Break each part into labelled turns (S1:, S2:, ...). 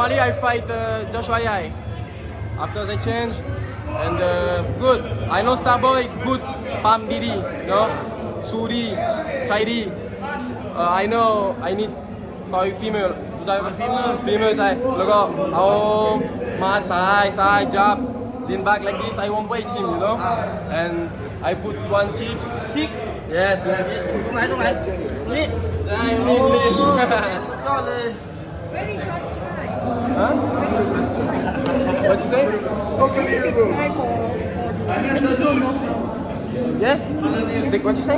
S1: Normally I fight Joshua Yai. After the change, and good. I know Starboy good. Pam Didi, no, Suri, Chaidi. I know I need toy female. ฟีเมอร์ใช่แล้วก็เอามาซ้ายจับ lean back like this I won't wait him you know and I put one kick yes
S2: ตรงไหนนี่
S1: นี่
S2: ยอดเลย
S3: Very short time.
S1: Huh? What you say?
S3: Unbelievable.
S1: Yeah? What you say?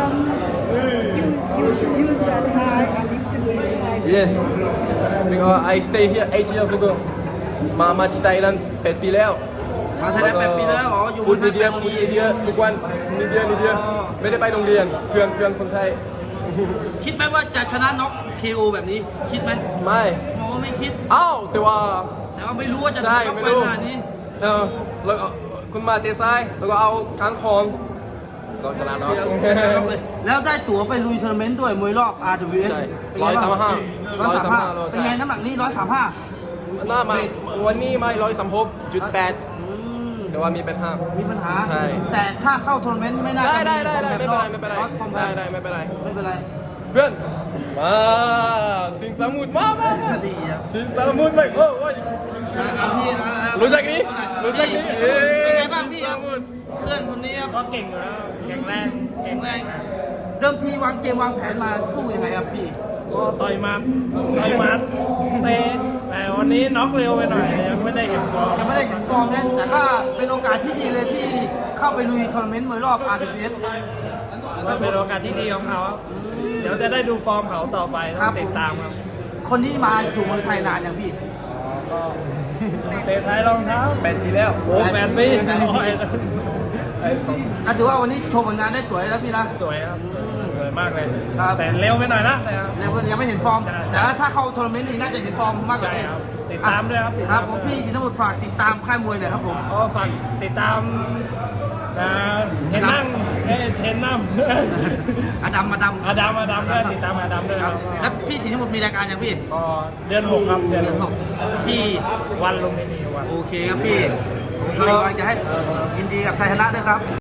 S3: You should use that high a little bit high.
S1: Yes because I stay here 8 years ago มาที่ไทยนั้น8 ปีแล้ว
S2: มาไทยได้8 ปีแล้วอ๋ออยู่
S1: พูดนิดเดียวทุกวันนิดเดียวไม่ได้ไปโรงเรียนเพื่อนคนไทย
S2: คิดไหมว่าจะชนะน็อก KO แบบนี้คิดไหม
S1: ไม่
S2: โอ้ไม่คิด
S1: อ้าวแต่ว่า
S2: ไม่รู้ว่าจะ
S1: ใช่
S2: น็อก
S1: ไม่
S2: ไป
S1: รู้
S2: ขนาดนี้
S1: แล้วก็คุณมาเตะซ้ายแล้วก็เอาค้างคองเราชนะเนาะ
S2: แล้วได้ตั๋วไปลุยทัวร์นาเมนต์ด้วยมวยรอบ RWS
S1: ใช่
S2: 135
S1: 135
S2: เป็นไงน้ำหนักนี้135
S1: หน้ามาวันนี้ไม่136.8แต่ว่ามีเป็นห้า
S2: มีปัญหา
S1: ใช่
S2: แต่ถ้าเข้าทัวร์นาเมนต์ไม่น่าจะ
S1: ได้ไม่เป็นไรไม่เป็นไรเพื่อนมาสินสมุทรมา
S2: ดีครับ
S1: สินสมุทรไปโอ้ยรู้จักนี้
S2: เป็นไงบ้างพี่ครับเพื่อนคนนี้ครับ
S4: ก็เก่งอยู่แล้วแข็งแรง
S2: แข็งแรงเดิมทีวางเกมวางแผนมาคู่ยังไงครับพี่
S4: ก็ต่อยหมัดเตะแต่วันนี้น็อกเร็วไปหน่อยยังไม่ได้เห็นฟอร์ม
S2: ยังไม่ได้เห็นฟอร์มนะแต่ก็เป็นโอกาสที่ดีเลยที่เข้าไปลุยทัวร์นาเมนต์มวยรอบ RWS
S4: ก็เป็นโอกาสที่ดีของเขาครับเดี๋ยวจะได้ดูฟอร์มเขาต่อไปต้องติดตามครับ
S2: คนนี้มาอยู่เมืองไทยนานอย่างพี่
S4: เตะไทยรองเท้า
S1: 8 ปีแล้ว
S4: โอ้8 ปีน้อย
S2: ถือว่าวันนี้โชว์ผลงานได้สวยแล้วพี่นะ
S4: สวยครับสวยมากเลย
S2: ครับ
S4: แต่เร็วไปหน่อยนะแต่
S2: ยังไม่เห็นฟอร์ม
S4: ใช่
S2: แต่ถ้าเข้าทัวร์นาเมนต์นี่น่าจะเห็นฟอร์มมากกว่า
S4: ใช่
S2: นี้
S4: ครับติดตามด้วยครับติด
S2: ครั
S4: ตา
S2: บ
S4: ม
S2: ผมพี่สินสมุทรฝากติดตามค่ายมวยหน่อยครับผม
S4: ก็ฝากติดตามเทนนั่งเทนนั่ง
S2: อดัม
S4: อาดัมด้วยติดตามอาดัมด้วย
S2: ค
S4: ค
S2: รั
S4: รั
S2: บบ แล้วพี่สินสมุทรมีรายการยังพี่
S4: ก็เดือน 6 ครับเดือน
S2: เดือนหกที่
S4: วันลุมพินีวัน
S2: โอเคครับพี่ผมก็จะให้ยินดีกับชัยชนะด้วยครับ